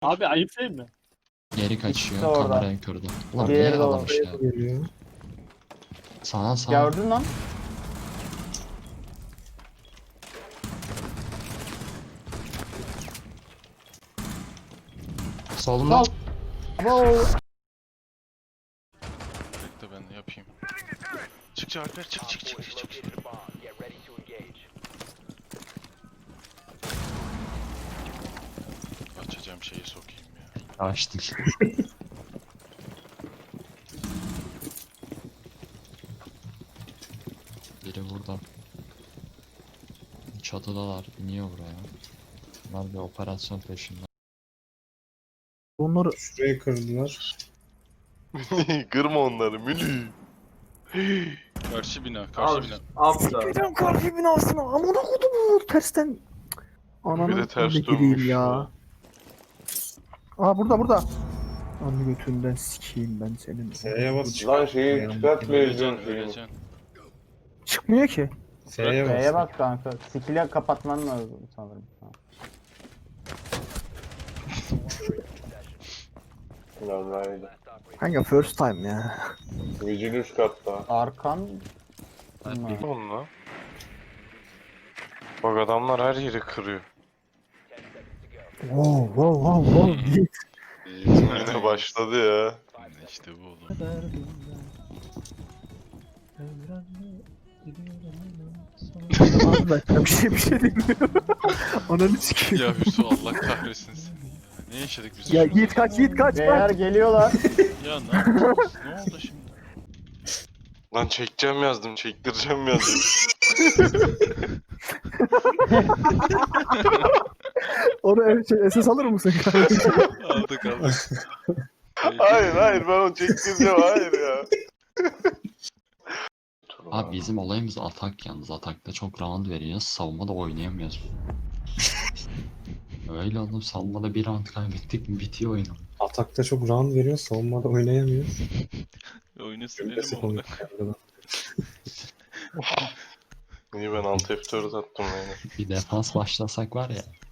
Abi ayıp değil mi? Geri İkisi kaçıyor, orada. kamerayı kırdı. Ulan Diğeri niye de alamış ya? Geliyor. Sana sağ. Gördün lan. Solunda. Sol. Wow. Bekle ben de yapayım. Çık Alper çık. Açacağım şeyi sokayım ya. Açtık. Biri burada. Çatıdalar, iniyor buraya. Bunlar bir operasyon peşinde. Onları şuraya kırdılar. Kırma onları Mülü. Karşı bina. Gideceğim karşı binasına. Amına kodumu tersten. Ananı Bir de ters ne gireyim dönmüş ya. ya. Aa burada. Anı götünden sikeyim ben senin. F'ye bas. Lan şeyi çıkartmayacağım şeyini. Öleceksin. Çıkmıyor ki. F'ye B'ye bas. bak kanka. Skill'e kapatman lazım sanırım. Normalde. Kanka first time ya. Vigil üst katta. Arkan. Onunla. Bak adamlar her yeri kırıyor. Wow. Git. Yine başladı ya. İşte bu oğlum. Abi ben bir şey demiyorum. Ananı sikeyim. Ya Hüsnü Allah kahretsin seni ya. Ne yaşadık biz? Ya şurada? Yiğit kaç. B'ler geliyorlar. Ya ne yapacağız? Ne oldu şimdi? Lan çekeceğim yazdım, çektireceğim yazdım. Onu SS alır mısın kardeşim? aldık. Hayır ben onu çektireceğim hayır ya. Abi bizim olayımız atak yalnız. Atakta çok round veriyoruz. Savunmada oynayamıyoruz. Öyle oğlum, savunmada bir round kaybettik mi bitiyor oyun. Atakta çok round veriyor, savunmada oynayamıyoruz. Oyunu Cümlesi silelim onu. komik geldi. Niye ben alt F4 attım yani? Bir defans başlasak var ya.